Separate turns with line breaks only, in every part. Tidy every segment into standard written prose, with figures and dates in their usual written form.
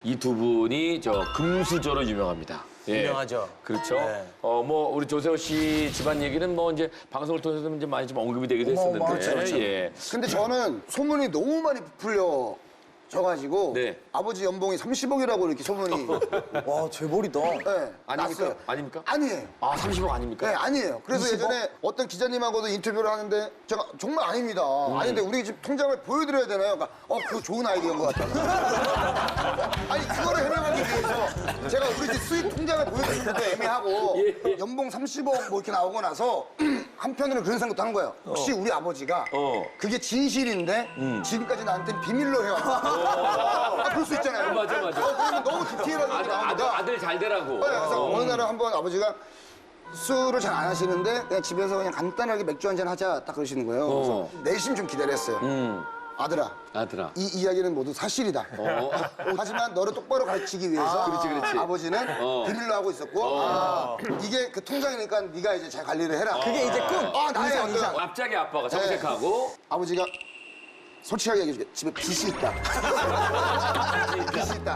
이 두 분이 저 금수저로 유명합니다. 예.
유명하죠.
그렇죠.
네.
뭐 우리 조세호 씨 집안 얘기는 뭐 이제 방송을 통해서 이제 많이 좀 언급이 되기도 했었는데.
그렇죠.
예.
근데 저는 소문이 너무 많이 부풀려 져가지고
네.
아버지 연봉이 30억이라고 이렇게 소문이
와, 재벌이다.
네,
아닙니까?
났어요.
아닙니까?
아니에요.
아, 30억 아닙니까?
네, 아니에요. 그래서 예전에 어떤 기자님하고도 인터뷰를 하는데 제가 정말 아닙니다. 아닌데 우리 집 통장을 보여드려야 되나요? 그러니까 그거 좋은 아이디어인 것 같다. 아니 그거를 해명하기 위해서 제가 우리 집 수입 통장을 보여드리는 것도 애매하고 연봉 30억 뭐 이렇게 나오고 나서 한편으로는 그런 생각도 한 거예요. 혹시 우리 아버지가 그게 진실인데 지금까지 나한테 비밀로 해왔나? 그럴 수 있잖아요.
맞아.
그러면 너무 디테일하게 나오니까
아들 잘 되라고.
네, 그래서 어느 날은 한번 아버지가 술을 잘 안 하시는데 그냥 집에서 그냥 간단하게 맥주 한잔 하자 딱 그러시는 거예요. 그래서 내심 좀 기다렸어요. 아들아, 이 이야기는 모두 사실이다. 하지만 너를 똑바로 가르치기 위해서
그렇지.
아버지는 비밀로 하고 있었고 이게 그 통장이니까 네가 이제 잘 관리를 해라.
그게 이제 끝.
나의 어떤
갑자기 아빠가 정색하고
아버지가 솔직하게 얘기해줄게. 집에 빚이 있다. 빚이 있다.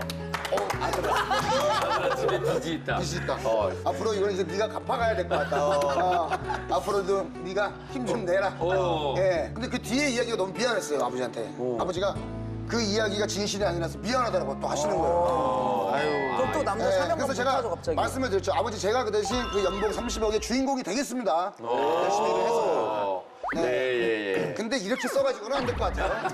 아들아.
집에 빚이 있다.
빚이 있다. 앞으로 이건 이제 네가 갚아가야 될 것 같다. 앞으로도 네가 힘 좀 내라. 예. 근데 그 뒤에 이야기가 너무 미안했어요, 아버지한테. 아버지가 그 이야기가 진실이 아니라서 미안하다고 또 하시는 거예요.
그럼 또 남자
예.
사냥감
그래서 제가
못하죠, 갑자기.
말씀을 드렸죠. 아버지 제가 그 대신 그 연봉 30억의 주인공이 되겠습니다. 열심히 일을 해서.
네.
근데 이렇게 써가지고는 안 될 것 같아요.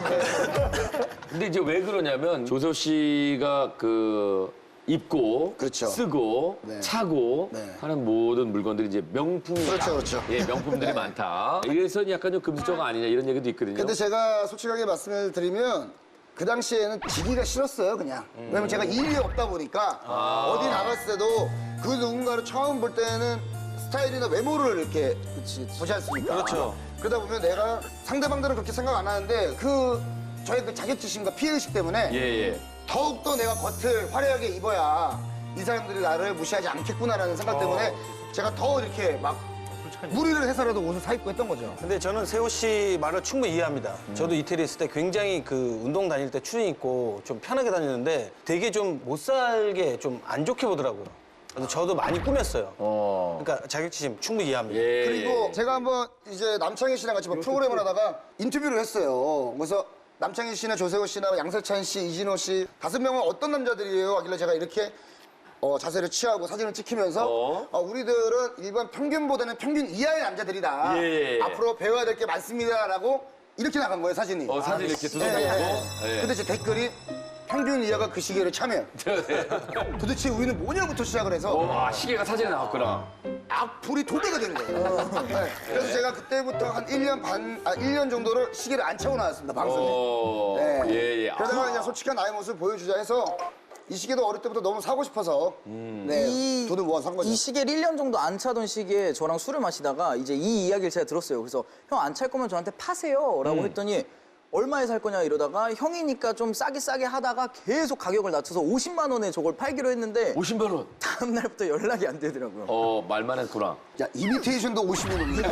근데 이제 왜 그러냐면 조세호 씨가 그 입고
그렇죠.
쓰고
네.
차고
네.
하는 모든 물건들이 이제 명품이다.
그렇죠.
예, 명품들이 많다. 이래서 약간 좀 금수저가 아니냐 이런 얘기도 있거든요.
근데 제가 솔직하게 말씀을 드리면 그 당시에는 지기가 싫었어요, 그냥. 왜냐면 제가 일이 없다 보니까 어디 나갔을 때도 그 누군가를 처음 볼 때는 스타일이나 외모를 이렇게 보지 않습니까?
그렇죠.
그러다 보면 내가 상대방들은 그렇게 생각 안 하는데 저의 그 자격지심과 피해의식 때문에
예.
더욱더 내가 겉을 화려하게 입어야 이 사람들이 나를 무시하지 않겠구나라는 생각 때문에 제가 더 이렇게 막 무리를 해서라도 옷을 사입고 했던 거죠.
근데 저는 세호 씨 말을 충분히 이해합니다. 저도 이태리에 있을 때 굉장히 그 운동 다닐 때 추리 입고 좀 편하게 다니는데 되게 좀 못 살게 좀 안 좋게 보더라고요. 그래서 저도 많이 꾸몄어요. 그러니까 자격지심 충분히 이해합니다.
예.
그리고 제가 한번 이제 남창희 씨랑 같이 뭐 프로그램을 하다가 인터뷰를 했어요. 그래서 남창희 씨나 조세호 씨나 양세찬 씨, 이진호 씨 5명은 어떤 남자들이에요? 하길래 제가 이렇게 자세를 취하고 사진을 찍히면서 우리들은 일반 평균보다는 평균 이하의 남자들이다.
예.
앞으로 배워야 될 게 많습니다라고 이렇게 나간 거예요, 사진이.
사진 이렇게 두장
예.
놓고. 예.
근데 제 댓글이 평균 이하가 그 시계를 차면 도대체 우리는 뭐냐부터 시작을 해서
시계가 사진에 나왔구나.
악플이 도배가 되는 거예요. 네. 그래서 제가 그때부터 한 1년 정도를 시계를 안 차고 나왔습니다, 방송에. 네.
예.
그러다가 그냥 솔직한 나의 모습을 보여주자 해서 이 시계도 어릴 때부터 너무 사고 싶어서 돈을 모아서 산 거죠.
이 시계를 1년 정도 안 차던 시기에 저랑 술을 마시다가 이제 이 이야기를 제가 들었어요. 그래서 형 안 찰 거면 저한테 파세요 라고 했더니 얼마에 살 거냐 이러다가 형이니까 좀 싸게 하다가 계속 가격을 낮춰서 50만 원에 저걸 팔기로 했는데
50만 원.
다음 날부터 연락이 안 되더라고요.
말만 했구나.
야, 이미테이션도 50이 넘는다.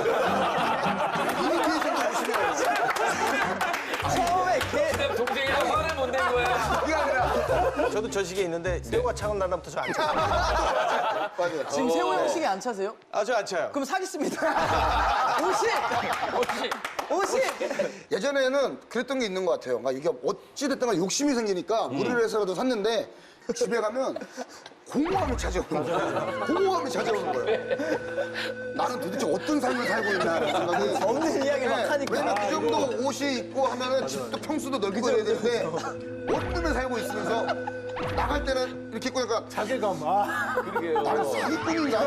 이미테이션도 50이 넘는다.
처음에
동생이랑 화를 못 낸 거야.
그게 아니라.
저도 저 시계 있는데 세호가 차고 난 다음부터 저 안 차요.
맞아요.
지금 세호 형 시계 안 차세요?
저 안 차요.
그럼 사겠습니다. 50!
예전에는 그랬던 게 있는 것 같아요. 그러니까 이게 어찌됐든 간에 욕심이 생기니까 무리를 해서라도 샀는데 집에 가면 공허함이 찾아오는 거예요. 공허함이 찾아오는 거예요. 나는 도대체 어떤 삶을 살고 있나라는 생각이
없는 이야기를 막 하니까.
왜냐면 그 정도 옷이 있고 하면은 집도 평수도 넓고 이래야 되는데 옷 때문에 살고 있으면서 나갈 때는 이렇게 입고 나니까
자괴감.
나는 사기꾼인가?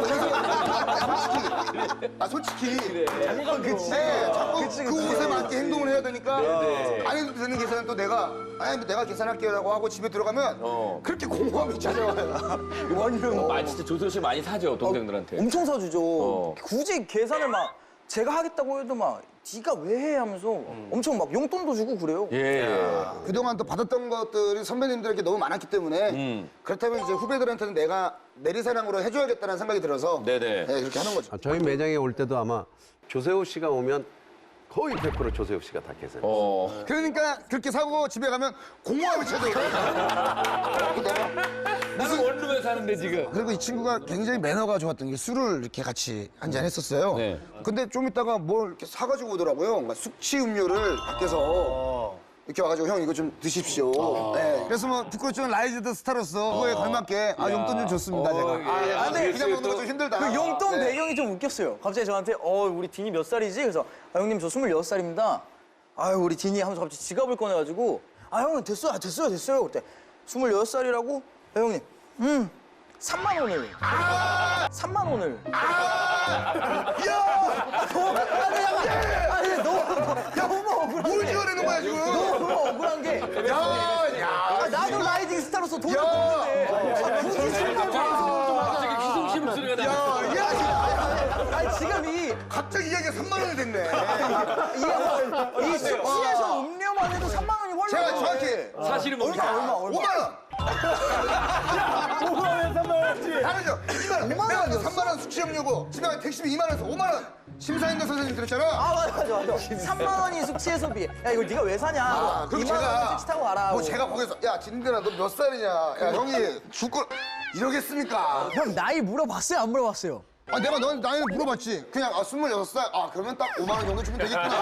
솔직히.
자괴감 그치.
네, 자꾸 그 옷에 맞게 행동을 해야 되니까 안 해도 되는 계산은 또 내가 계산할게요라고 하고 집에 들어가면 그렇게 공허함이 찾아와요.
진짜 조세호 씨 많이 사죠, 동생들한테.
엄청 사주죠.
어.
굳이 계산을 막 제가 하겠다고 해도 막 네가 왜 해 하면서 엄청 막 용돈도 주고 그래요.
예.
그동안 또 받았던 것들이 선배님들에게 너무 많았기 때문에 그렇다면 이제 후배들한테는 내가 내리사랑으로 해줘야겠다는 생각이 들어서
네네.
네, 그렇게 하는 거죠.
저희 매장에 올 때도 아마 조세호 씨가 오면 거의 100% 조세호 씨가 다 계세요.
그러니까 그렇게 사고 집에 가면 공허함이 찾아오거든요.
하는데 지금.
그리고 이 친구가 굉장히 매너가 좋았던 게 술을 이렇게 같이 한잔 했었어요.
네.
근데 좀 있다가 뭘 이렇게 사가지고 오더라고요. 그러니까 숙취 음료를 밖에서 이렇게 와가지고 형 이거 좀 드십시오. 네. 그래서 뭐 부끄럽지만 라이즈 더 스타로서 그거에 걸맞게 용돈 좀 줬습니다 제가.
근데
그냥 먹는 거 좀 힘들다.
그 용돈
네.
배경이 좀 웃겼어요. 갑자기 저한테 우리 디니 몇 살이지? 그래서 형님 저 26살입니다. 아유 우리 디니 하면서 갑자기 지갑을 꺼내가지고 형님 됐어요 그때 26살이라고? 형님 3만 원을 3만 원을 너무 억울한
뭘 지어내는 거야 지금?
너무 억울한 게 나도 라이징 스타로서 돈을 버는데 굳이 술만
갑자기 희성씨 목소리가 나.
아니 지금
갑자기 이야기가 3만 원이 됐네.
이 숙취에서 음료만 해도 3만 원이 훨씬
제가 정확히
사실은 뭡니까?
얼마? 5만 원. 5만 원에 3만 원이지. 다르죠. 2만 원. 내가 3만 원 숙취 음료고 집에 가면 택시비 2만 원에서 5만 원. 심사인도 선생님 들었잖아.
맞아 3만 원이 숙취 해소비 야 이거 네가 왜 사냐
그럼
2만 원 택시 타고 가라
뭐 제가 거기서 야 진들아 너 몇 살이냐? 야 형이 죽고 이러겠습니까?
형 나이 물어봤어요 안 물어봤어요?
내가 넌 나이를 물어봤지. 그냥 26살. 그러면 딱 5만 원 정도 주면 되겠구나.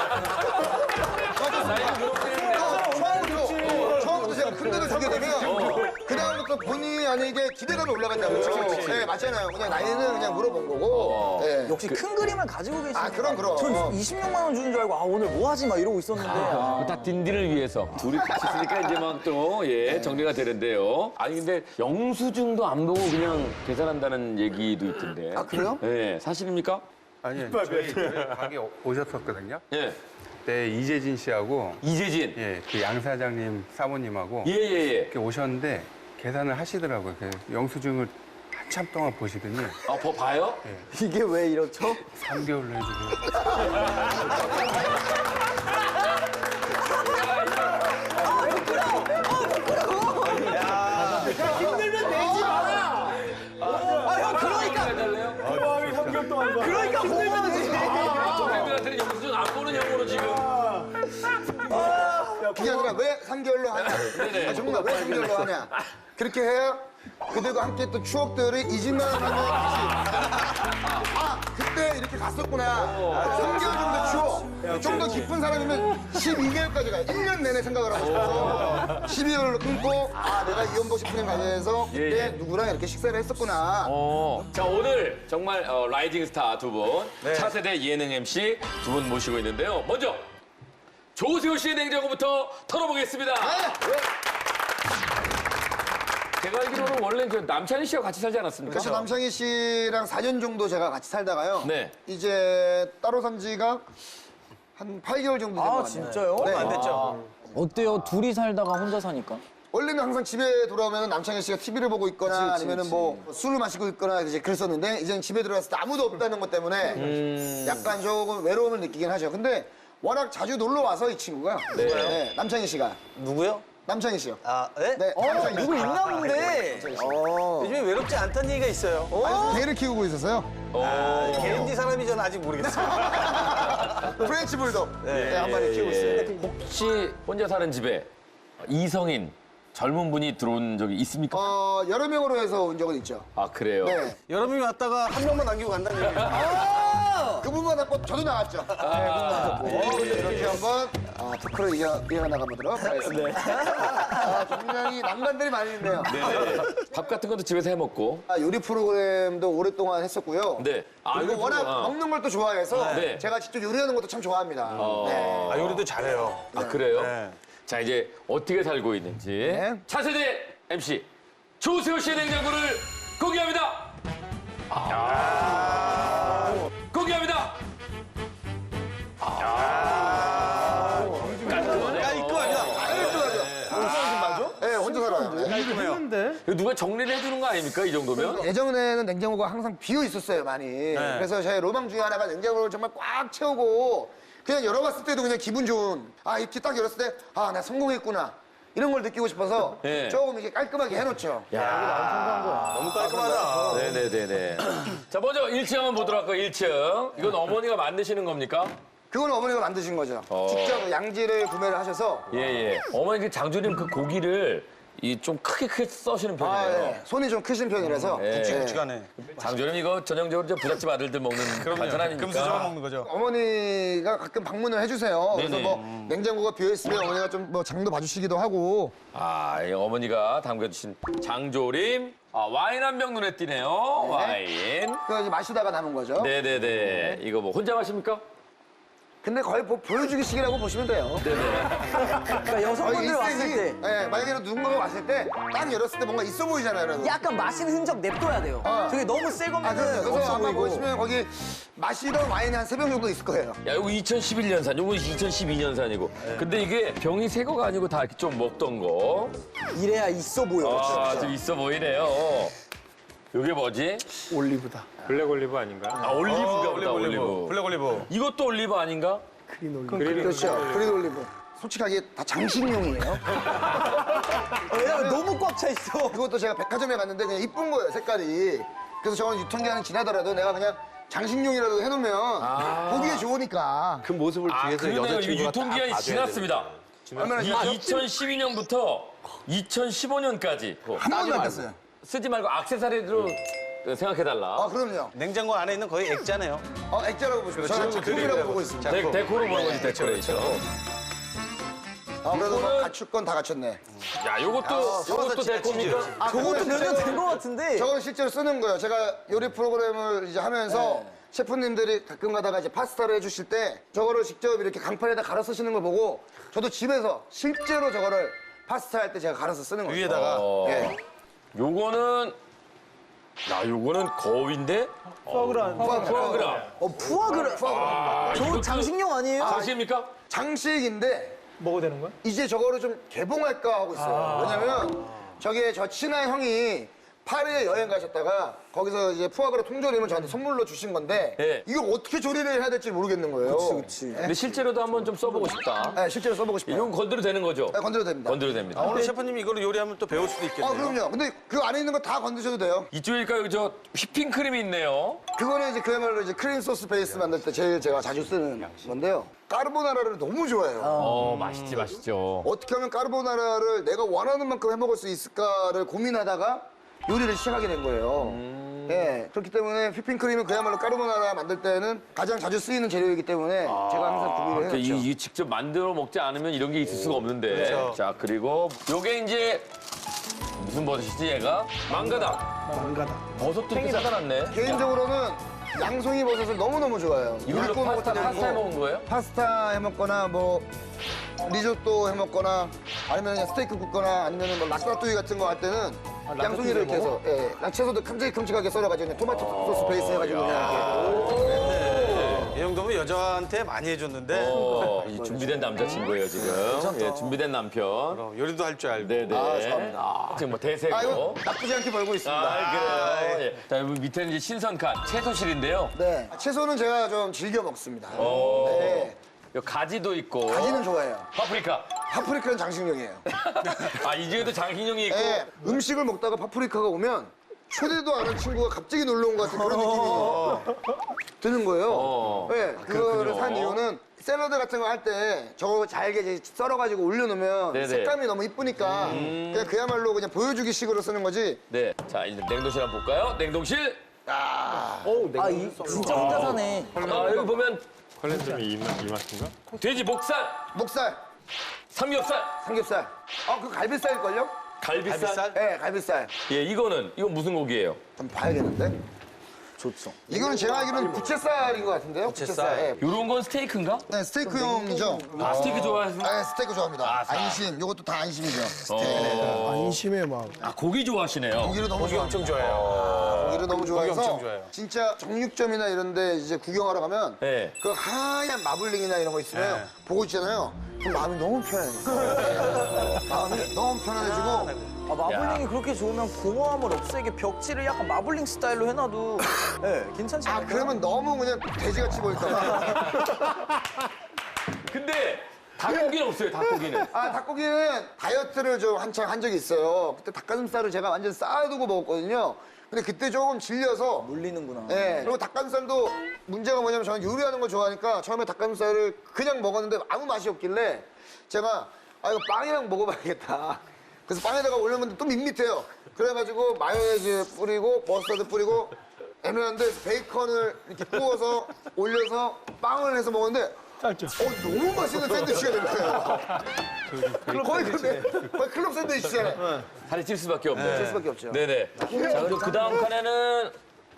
처음부터 제가 큰 돈을 주게 되면 그다음부터 본의 아니게 기대감이 올라간다고. 네, 맞잖아요. 그냥 나이는 그냥 물어본 거고. 네.
역시 큰 그림을 가지고 계시네
그럼.
전 26만 원 주는 줄 알고 오늘 뭐 하지 막 이러고 있었는데
다 딘딘을 위해서 둘이 같이 있으니까 이제 막 또 정리가 되는데요. 아니 근데 영수증도 안 보고 그냥 계산한다는 얘기도 있던데.
그래요?
네, 사실입니까?
아니요, 저희 가게 오셨었거든요.
예.
그때 이재진 씨하고
이재진.
그 양 사장님 사모님하고
예.
이렇게 오셨는데 계산을 하시더라고요. 그 영수증을 한참 동안 보시더니
봐요?
이게 왜 이렇죠?
3개월로 해주세요.
형 그러니까 고마워지
동생들한테는 영수증 안 보는 형으로 지금.
그게 아니라 왜 3개월로 하냐? 정말 왜 3개월로 하냐? 그렇게 해야 그들과 함께 했던 추억들이 잊을만 하면 그때 이렇게 갔었구나. 3개월 정도 추억. 좀 더 깊은 사람이면 12개월까지 가요. 1년 내내 생각을 하고 싶어서 12개월로 끊고 내가 이연복 식품에 관해서 그때 누구랑 이렇게 식사를 했었구나.
자, 오늘 정말 라이징 스타 두 분, 차세대 예능 MC 두 분 모시고 있는데요. 먼저 조세호 씨의 냉장고부터 털어보겠습니다. 제가 알기로는 원래 남창희 씨와 같이 살지 않았습니까?
그래서 남창희 씨랑 4년 정도 제가 같이 살다가요.
네.
이제 따로 산 지가 한 8개월 정도 된 것 같아요.
진짜요?
네.
안 됐죠? 어때요? 둘이 살다가 혼자 사니까?
원래는 항상 집에 돌아오면 남창희 씨가 TV를 보고 있거나 아니면은 뭐 술을 마시고 있거나 이제 그랬었는데 이제는 집에 들어갔을 때 아무도 없다는 것 때문에 약간 조금 외로움을 느끼긴 하죠. 근데 워낙 자주 놀러 와서 이 친구가 네, 남창희 씨가
누구요?
남창희 씨요.
네?
네, 남창희 씨.
누구 있나 본데. 요즘에 외롭지 않다는 얘기가 있어요.
개를 키우고 있어서요.
개인지 사람이 저는 아직 모르겠어요.
프렌치 불독 한 마리 키우고 있어요.
혹시 혼자 사는 집에 이성인 젊은 분이 들어온 적이 있습니까?
여러 명으로 해서 온 적은 있죠.
아, 그래요?
네.
여러 명이 왔다가 한 명만 남기고 간다는 얘기예요.
그분만 났고 저도 나갔죠. 이렇게 한번 토크를 이어나가 보도록 하겠습니다. 굉장히 난관들이 많이 있네요.
네. 밥 같은 것도 집에서 해 먹고.
요리 프로그램도 오랫동안 했었고요.
네.
그리고
요리
워낙
프로그램.
먹는 걸 또 좋아해서
네.
제가 직접 요리하는 것도 참 좋아합니다. 네.
요리도 잘해요.
아, 그래요? 자, 이제 어떻게 살고 있는지
네.
차세대 MC 조세호 씨의 냉장고를 공개합니다. 공개합니다.
네, 혼자 살아요.
이거 누가 정리를 해주는 거 아닙니까? 이 정도면?
예전에는 냉장고가 항상 비어 있었어요, 많이. 그래서 저의 로망 중에 하나가 냉장고를 정말 꽉 채우고 그냥 열어봤을 때도 그냥 기분 좋은 이렇게 딱 열었을 때 나 성공했구나. 이런 걸 느끼고 싶어서
네.
조금 이렇게 깔끔하게 해놓죠.
너무 깔끔하다.
네네네네. 자, 먼저 1층 한번 보도록 할까요? 1층. 이건 어머니가 만드시는 겁니까?
그건 어머니가 만드신 거죠. 직접 양지를 구매를 하셔서
예. 어머니 그 장조림 그 고기를 이 좀 크게 써시는
아,
편이네요.
예. 손이 좀 크신 편이라서.
굵직굵직하네.
장조림 이거 전형적으로 이제 부잣집 아들들 먹는 반찬 아닙니까?
금수저만 먹는 거죠.
어머니가 가끔 방문을 해주세요. 그래서
네네.
뭐 냉장고가 비어있으면 어머니가 좀 뭐 장도 봐주시기도 하고.
아, 이 어머니가 담겨주신 장조림. 아, 와인 한 병 눈에 띄네요. 와인.
그거 이제 마시다가 남은 거죠.
네네네. 이거 뭐 혼자 마십니까?
근데 거의 뭐 보여주기식이라고 보시면 돼요.
그러니까 여성분들 왔을 때
예, 만약에 누군가가 왔을 때 딱 열었을 때 뭔가 있어 보이잖아요. 그래서.
약간 마신 흔적 냅둬야 돼요. 저게 너무 새
아,
거면
그래서
없어
아마
보이고.
보시면 거기 마시던 와인이 한 3병 정도 있을 거예요.
야, 이거 2011년산, 요거 2012년산이고. 근데 이게 병이 새 거가 아니고 다 이렇게 좀 먹던 거.
이래야 있어 보여.
아, 좀 있어 보이네요. 요게 뭐지?
블랙 올리브 아닌가?
아, 올리브가 보다, 올리브.
블랙 올리브.
이것도 올리브 아닌가?
그렇죠. 그린 올리브. 솔직하게 다 장식용이에요.
왜냐면 너무 꽉 차 있어.
그것도 제가 백화점에 갔는데 그냥 이쁜 거예요, 색깔이. 그래서 저는 유통기한이 지나더라도 내가 그냥 장식용이라도 해놓으면 보기에 좋으니까.
그 모습을
아,
뒤에서
그러네요. 이거
여자친구가
유통기한이
다 봐줘야
지났습니다.
얼마나 지났죠?
2012년부터 2015년까지
한 번도 안 뺐어요.
쓰지 말고 액세서리로 생각해달라.
아, 그럼요.
냉장고 안에 있는 거의 액자네요.
액자라고 보시면 저는 작품이라고 보고 있습니다.
데코로 보는 거지, 데코레이션.
아, 그래도 뭐 갖출 건 다 갖췄네.
야, 요것도 데코입니까?
저것도 몇 년 된 거 같은데.
저건 실제로 쓰는 거예요. 제가 요리 프로그램을 이제 하면서 셰프님들이 가끔 가다가 이제 파스타를 해주실 때 저거를 직접 이렇게 강판에다 갈아 쓰시는 걸 보고 저도 집에서 실제로 저거를 파스타 할 때 제가 갈아서 쓰는 거예요.
위에다가.
예.
요거는 거위인데? 푸아그라.
푸아그라. 저
이것도-
장식용 아니에요?
장식입니까?
장식인데
먹어도 되는 거야?
이제 저거를 좀 개봉할까 하고 있어요. 왜냐면 저게 저 친한 형이 파리에 여행 가셨다가 거기서 이제 푸아그라 통조림을 저한테 선물로 주신 건데
네.
이걸 어떻게 조리를 해야 될지 모르겠는 거예요.
그치.
근데 실제로도 한번 좀 써보고 싶다.
네, 실제로 써보고 싶어요.
이건 건드려도 되는 거죠?
네, 건드려도 됩니다.
건드려도 됩니다.
오늘 셰프님이 이거를 요리하면 또 배울 수도 있겠네요.
아, 그럼요. 근데 그 안에 있는 거 다 건드셔도 돼요.
이쪽일까요? 저 휘핑크림이 있네요.
그거는 이제 그야말로 이제 크림 소스 베이스 만들 때 제일 제가 자주 쓰는 건데요. 까르보나라를 너무 좋아해요.
맛있지, 맛있죠.
어떻게 하면 까르보나라를 내가 원하는 만큼 해먹을 수 있을까를 고민하다가 요리를 시작하게 된 거예요. 예, 그렇기 때문에 휘핑크림은 그야말로 까르보나라 만들 때는 가장 자주 쓰이는 재료이기 때문에 제가 항상 구비를 해놓죠.
이 직접 만들어 먹지 않으면 이런 게 있을 수가 없는데. 자, 그리고 요게 이제 무슨 버섯이지, 얘가? 망가당. 버섯도 이렇게 사다놨네.
개인적으로는 양송이 버섯을 너무너무 좋아해요.
이걸로
굽고
파스타
먹어도 되고,
해 먹은 거예요?
파스타 해먹거나 뭐 리조또 해먹거나 아니면 그냥 스테이크 굽거나 아니면 뭐 라따뚜이 같은 거 할 때는 양송이를 이렇게 해서 채소도 큼직큼직하게 썰어가지고 그냥 토마토 소스 베이스 해가지고 그냥
이 정도면 여자한테 많이 해줬는데
이 준비된 남자친구예요, 지금. 예, 준비된 남편.
요리도 할 줄 알고.
네네.
감사합니다.
지금 뭐 대세고.
아, 이거 나쁘지 않게 벌고 있습니다.
그래요. 예. 자, 여기 밑에는 이제 신선칸 채소실인데요.
네. 채소는 제가 좀 즐겨 먹습니다.
오.
네.
요 가지도 있고.
가지는 좋아해요.
파프리카.
파프리카는 장식용이에요.
아, 이 중에도 장식용이 있고.
네. 음식을 먹다가 파프리카가 오면 초대도 안 한 친구가 갑자기 놀러 온 것 같은 그런 느낌이 드는 거예요. 네. 그거를
그렇군요.
산 이유는 샐러드 같은 거 할 때 저거 잘게 이제 썰어가지고 올려놓으면
네네.
색감이 너무 이쁘니까 그냥 그야말로 그냥 보여주기 식으로 쓰는 거지.
네. 자, 이제 냉동실 한번 볼까요? 냉동실.
진짜 혼자 사네.
아, 여기 보면
컬렌점이 이 맛인가?
돼지 목살,
목살,
삼겹살,
삼겹살. 그 갈비살일걸요?
갈비살.
네, 갈비살.
예, 이건 무슨 고기예요?
좀 봐야겠는데?
좋죠.
이거는 제가 알기로는 부채살인 것 같은데요? 부채살.
요런 건 스테이크인가?
네, 스테이크용이죠.
아, 스테이크 좋아해서?
네, 스테이크 좋아합니다. 안심, 요것도 다 안심이죠. 스테이크.
안심의 마음.
아, 고기 좋아하시네요.
고기를 너무
고기 엄청
좋아합니다.
좋아해요.
고기를 너무 좋아해서
엄청 좋아해요.
진짜 정육점이나 이런 데 이제 구경하러 가면
네.
그 하얀 마블링이나 이런 거 있으면 보고 있잖아요. 그럼 마음이 너무 편해요. 마음이 너무 편안해지고
마블링이 그렇게 좋으면 공허함을 없애게 벽지를 약간 마블링 스타일로 해놔도 괜찮지 않을까요?
그러면 너무 그냥 돼지같이 보일까 봐.
근데 닭고기는 없어요, 닭고기는.
닭고기는 다이어트를 좀 한창 한 적이 있어요. 그때 닭가슴살을 제가 완전 쌓아두고 먹었거든요. 근데 그때 조금 질려서
물리는구나.
네. 그리고 닭가슴살도 문제가 뭐냐면 저는 요리하는 걸 좋아하니까 처음에 닭가슴살을 그냥 먹었는데 아무 맛이 없길래 제가 이거 빵이랑 먹어봐야겠다. 그래서 빵에다가 올렸는데 또 밋밋해요. 그래가지고 마요네즈 뿌리고 머스타드 뿌리고 애매한데 베이컨을 이렇게 구워서 올려서 빵을 해서 먹었는데 너무 맛있는 샌드위치가 된 거예요. 거의 클럽 샌드위치잖아요.
살이 찔 수밖에 없네.
찔 수밖에 없죠.
네네. 자, 그리고 그 다음 칸에는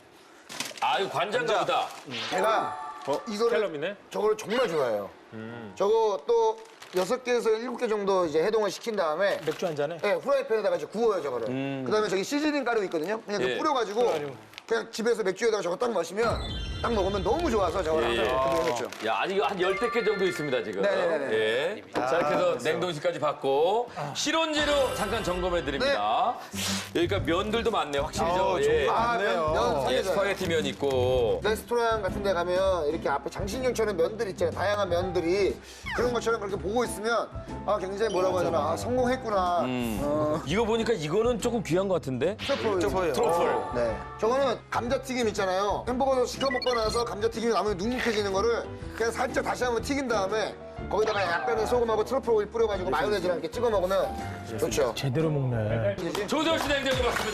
이거 관장가 보다.
제가 이거를
캘럼이네?
저거를 정말 좋아해요. 저거 또 6개에서 7개 정도 이제 해동을 시킨 다음에
맥주 한 잔에?
네, 후라이팬에다가 이제 구워요, 저거를. 그다음에 저기 시즈닝 가루 있거든요. 그냥
예.
그 뿌려가지고 그냥 집에서 맥주에다가 저거 딱 마시면 딱 먹으면 너무 좋아서 저걸 항상 그렇게 해놓죠.
야, 아직 한 10개 정도 있습니다, 지금.
네네네.
예. 자, 이렇게 해서 냉동실까지 받고, 실온재료 잠깐 점검해드립니다. 여기가 면들도 많네요, 확실히. 예.
면
예,
사계절.
스파게티 면 있고.
레스토랑 같은 데 가면 이렇게 앞에 장식용처럼 면들 있잖아요. 다양한 면들이. 그런 것처럼 그렇게 보고 있으면 굉장히 뭐라고 해야 되나. 성공했구나.
이거 보니까 이거는 조금 귀한 것 같은데?
트러플.
트러플.
네. 저거는 감자튀김 있잖아요. 햄버거 시켜 먹고 나서 감자튀김이 남으면 눅눅해지는 거를 그냥 살짝 다시 한번 튀긴 다음에 거기다가 약간의 소금하고 트러플 오일 뿌려가지고 마요네즈랑 이렇게 찍어 먹으면 좋죠.
제대로 먹네.
조세호 씨 냉장고 맞습니다.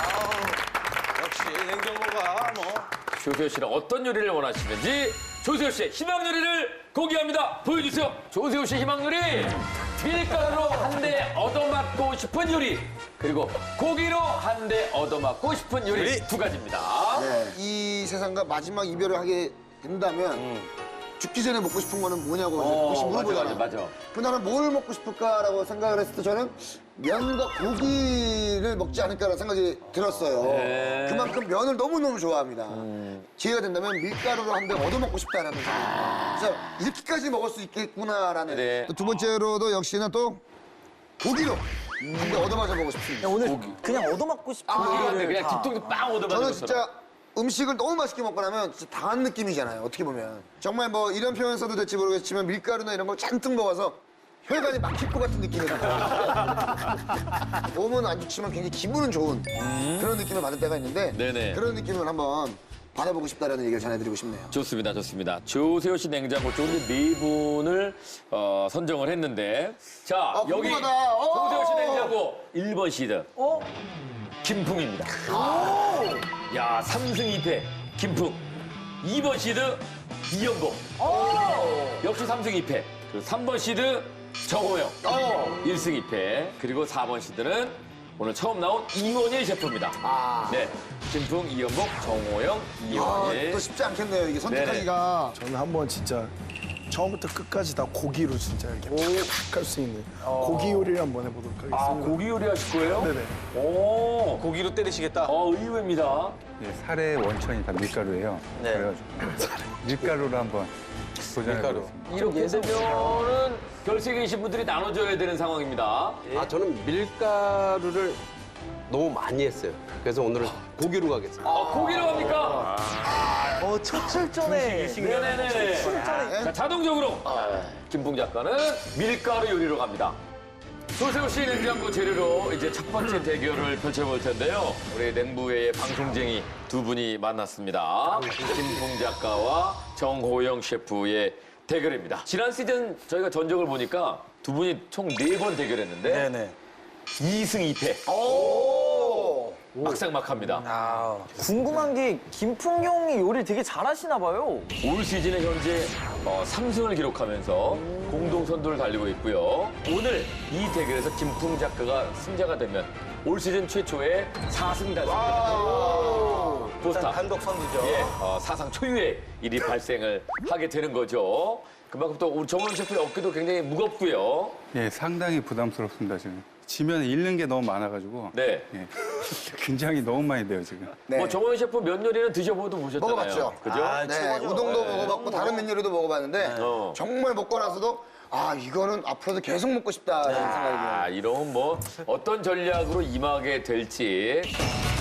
역시 냉장고가 뭐.
조세호 씨는 어떤 요리를 원하시는지 조세호 씨의 희망 요리를 공개합니다. 보여주세요. 조세호 씨 희망 요리. 밀가루로 한 대 얻어맞고 싶은 요리. 그리고 고기로 한 대 얻어맞고 싶은 요리 두 가지입니다.
네. 이 세상과 마지막 이별을 하게 된다면 죽기 전에 먹고 싶은 거는 뭐냐고 혹시 물어보잖아요.
맞아.
그 나는 뭘 먹고 싶을까라고 생각을 했을 때 저는 면과 고기를 먹지 않을까라는 생각이 들었어요.
네.
그만큼 면을 너무너무 좋아합니다. 기회가 된다면 밀가루로 한 대 얻어먹고 싶다라는 생각. 그래서 이렇게까지 먹을 수 있겠구나라는.
네.
또 두 번째로도 역시나 또 고기로 한 대 얻어맞아 보고 싶습니다.
오늘 그냥 얻어맞고 싶은
근데
얘기를
그냥
다.
뒷통도 빵 얻어맞는
저는
것처럼.
진짜 음식을 너무 맛있게 먹고 나면 진짜 당한 느낌이잖아요. 어떻게 보면. 정말 뭐 이런 표현 써도 될지 모르겠지만 밀가루나 이런 걸 잔뜩 먹어서 혈관이 막힐 것 같은 느낌이 들어요. 몸은 안 좋지만 굉장히 기분은 좋은 그런 느낌을 받을 때가 있는데
네네.
그런 느낌을 한번 받아보고 싶다는 얘기를 전해드리고 싶네요.
좋습니다, 좋습니다. 조세호 씨 냉장고 쪽에 네 분을 선정을 했는데, 자 여기
궁금하다.
조세호 씨 냉장고 1번 시드 김풍입니다. 야 3승 2패 김풍. 2번 시드 이연복. 역시 3승 2패. 그리고 3번 시드 정호영. 1승 2패. 그리고 4번 시드는 오늘 처음 나온 이원일 셰프입니다. 네, 김풍, 이연복, 정호영, 이원일.
또 쉽지 않겠네요. 이게 선택하기가.
저는 한번 진짜 처음부터 끝까지 다 고기로 진짜 이렇게 팍 할 수 있는 고기 요리를 한번 해보도록 하겠습니다.
아, 고기 요리 하실 거예요?
네네.
오,
고기로 때리시겠다.
의외입니다.
예, 살의 원천이 다 밀가루예요.
네.
그래가지고 밀가루로 한번 도전해보겠습니다.
이렇게 되면은 결석에 계신 분들이 나눠줘야 되는 상황입니다.
저는 밀가루를 너무 많이 했어요. 그래서 오늘은 고기로 가겠습니다.
고기로 합니까?
첫 출전에
네네네. 자, 자동적으로 김풍 작가는 밀가루 요리로 갑니다. 조세호 씨 냉장고 재료로 이제 첫 번째 대결을 펼쳐볼 텐데요. 우리 냉부회의 방송쟁이 두 분이 만났습니다. 김풍 작가와 정호영 셰프의 대결입니다. 지난 시즌 저희가 전적을 보니까 두 분이 총 4번 대결했는데
네네.
2승 2패. 막상막합니다.
궁금한 게 김풍용이 요리를 되게 잘하시나 봐요.
올 시즌에 현재 3승을 기록하면서 공동 선두를 달리고 있고요. 오늘 이 대결에서 김풍 작가가 승자가 되면 올 시즌 최초의 4승 달성입니다. 포스타.
단독 선두죠.
예, 사상 초유의 일이 발생을 하게 되는 거죠. 그만큼 또 우리 정원 셰프의 어깨도 굉장히 무겁고요.
예, 상당히 부담스럽습니다, 지금. 지면 잃는 게 너무 많아가지고.
네.
예, 긴장이 너무 많이 돼요, 지금.
네.
뭐 정원 셰프 면 요리는 드셔보도 보셨잖아요.
먹어봤죠.
그죠?
네, 우동도 먹어봤고 다른 면 요리도 먹어봤는데
어.
정말 먹고 나서도 이거는 앞으로도 계속 먹고 싶다라는 생각이 들어요.
이런 뭐 어떤 전략으로 임하게 될지